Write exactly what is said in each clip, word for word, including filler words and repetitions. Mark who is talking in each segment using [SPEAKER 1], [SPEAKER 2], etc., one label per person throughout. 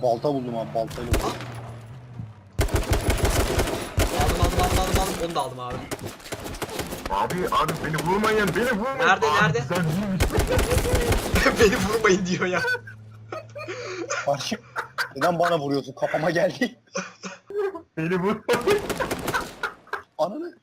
[SPEAKER 1] Balta buldum abi, baltayla buldum.
[SPEAKER 2] Aldım aldım aldım aldım aldım. Onu da aldım abi.
[SPEAKER 3] Abi abi beni vurmayın, beni vurmayın.
[SPEAKER 2] Nerede,
[SPEAKER 3] abi,
[SPEAKER 2] nerede?
[SPEAKER 3] Sen vurmuşsun.
[SPEAKER 2] Beni vurmayın diyor ya.
[SPEAKER 1] Karşı. Neden bana vuruyorsun? Kafama geldi.
[SPEAKER 3] Beni vurmayın.
[SPEAKER 1] Ananı.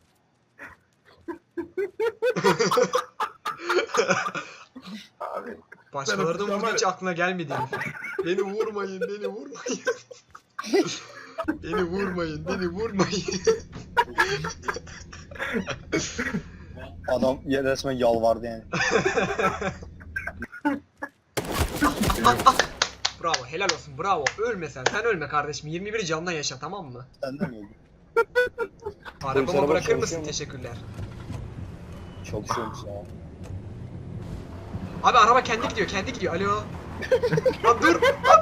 [SPEAKER 3] Abi.
[SPEAKER 2] Başkalarının
[SPEAKER 3] Ben
[SPEAKER 2] vurduğu hiç
[SPEAKER 3] ama-
[SPEAKER 2] aklına gelmedi. Beni vurmayın, beni vurmayın. Beni vurmayın, beni vurmayın.
[SPEAKER 1] Adam ya- resmen yalvardı yani.
[SPEAKER 2] Bravo, helal olsun, bravo. Ölme sen, sen ölme kardeşim. yirmi bir canla yaşa, tamam mı?
[SPEAKER 1] Sen de mi öldün?
[SPEAKER 2] Arabama
[SPEAKER 1] araba
[SPEAKER 2] bırakır
[SPEAKER 1] çalışıyor
[SPEAKER 2] mısın?
[SPEAKER 1] mu?
[SPEAKER 2] Teşekkürler.
[SPEAKER 1] Çalışıyormuş ya.
[SPEAKER 2] Abi araba kendi gidiyor, kendi gidiyor. Alo. Lan dur.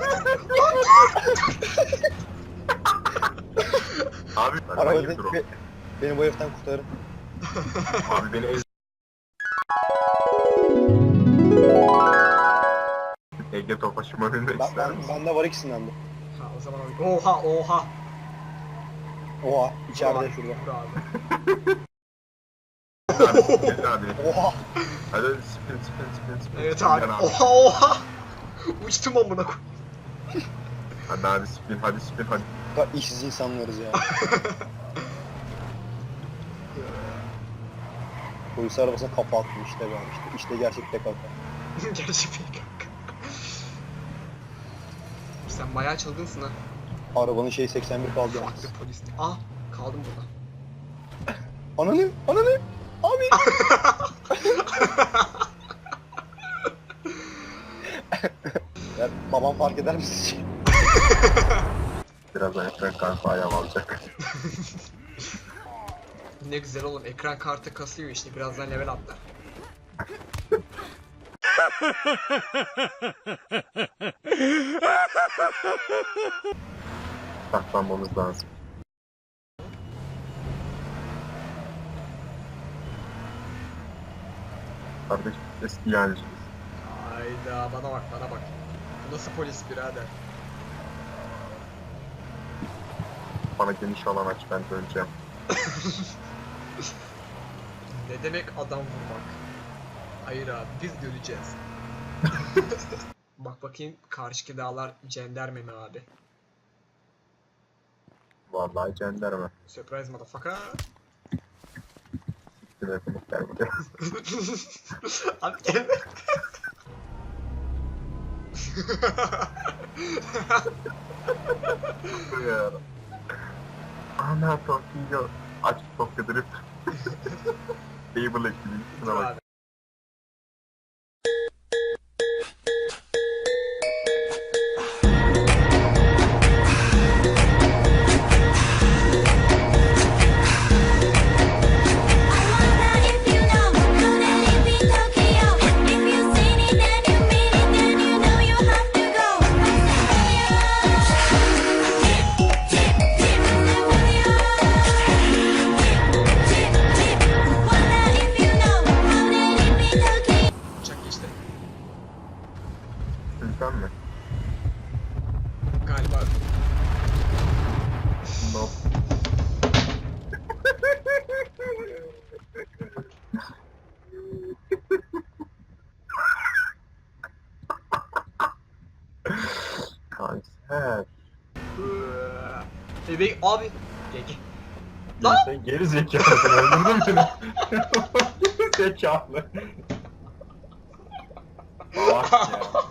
[SPEAKER 3] Abi.
[SPEAKER 1] Araba
[SPEAKER 3] Araba
[SPEAKER 1] be, be- beni bu heriften kurtarın.
[SPEAKER 3] Abi beni ez. Ege Tofaş'ıma binmek
[SPEAKER 1] Ben,
[SPEAKER 3] ister
[SPEAKER 1] ben,
[SPEAKER 3] misin?
[SPEAKER 1] bende var ikisinden de.
[SPEAKER 2] Ha o zaman abi. Oha oha.
[SPEAKER 1] Oha, içeride
[SPEAKER 2] Bravo,
[SPEAKER 1] şurada.
[SPEAKER 2] bravo.
[SPEAKER 3] Abi, gel abi.
[SPEAKER 1] Oha.
[SPEAKER 3] Hadi spin spin spin spin.
[SPEAKER 2] Evet
[SPEAKER 3] spin,
[SPEAKER 2] abi.
[SPEAKER 3] gel
[SPEAKER 2] Oha oha. Uçtum amına koy.
[SPEAKER 3] Hadi abi spin hadi spin hadi.
[SPEAKER 1] Bu kadar işsiz insanlarız ya. Polis arabasına kafa attım işte ben işte. İşte gerçek P K K.
[SPEAKER 2] Gerçi pek kanka. Sen bayağı çılgınsın ha.
[SPEAKER 1] Arabanın şey seksen bir kaldı yalnız.
[SPEAKER 2] Farklı polis. Ah kaldım burada.
[SPEAKER 1] Ananı, ananı. Abi. Ya babam fark eder misin?
[SPEAKER 3] Birazdan ekran kartı ayağım alacak.
[SPEAKER 2] Ne güzel oğlum, ekran kartı kasıyor işte, birazdan level atlar.
[SPEAKER 3] Saklanmamız lazım. Kardeş eski yancıyız.
[SPEAKER 2] Hayda, bana bak bana bak. Bu nasıl polis birader?
[SPEAKER 3] Bana geniş alan aç ben döneceğim.
[SPEAKER 2] Ne demek adam vurmak? Hayır abi, biz göreceğiz. Bak bakayım, karşıki dağlar cenderme mi abi?
[SPEAKER 3] Vallahi cenderme.
[SPEAKER 2] Surprise motherfucker.
[SPEAKER 3] Telefonu geldi.
[SPEAKER 2] Abi gelme.
[SPEAKER 3] Ya. Ana Tokyo. Aç Tokyo Drift. Table ekibi. Şuna bak.
[SPEAKER 2] Abi. Uçak geçti.
[SPEAKER 3] Sen mi?
[SPEAKER 2] Galiba.
[SPEAKER 3] No. Kanser.
[SPEAKER 2] Bebek abi. Peki.
[SPEAKER 3] Ya
[SPEAKER 2] Lan!
[SPEAKER 3] sen geri zekalısın öldürdün beni. Geri zekalı. Ah ya.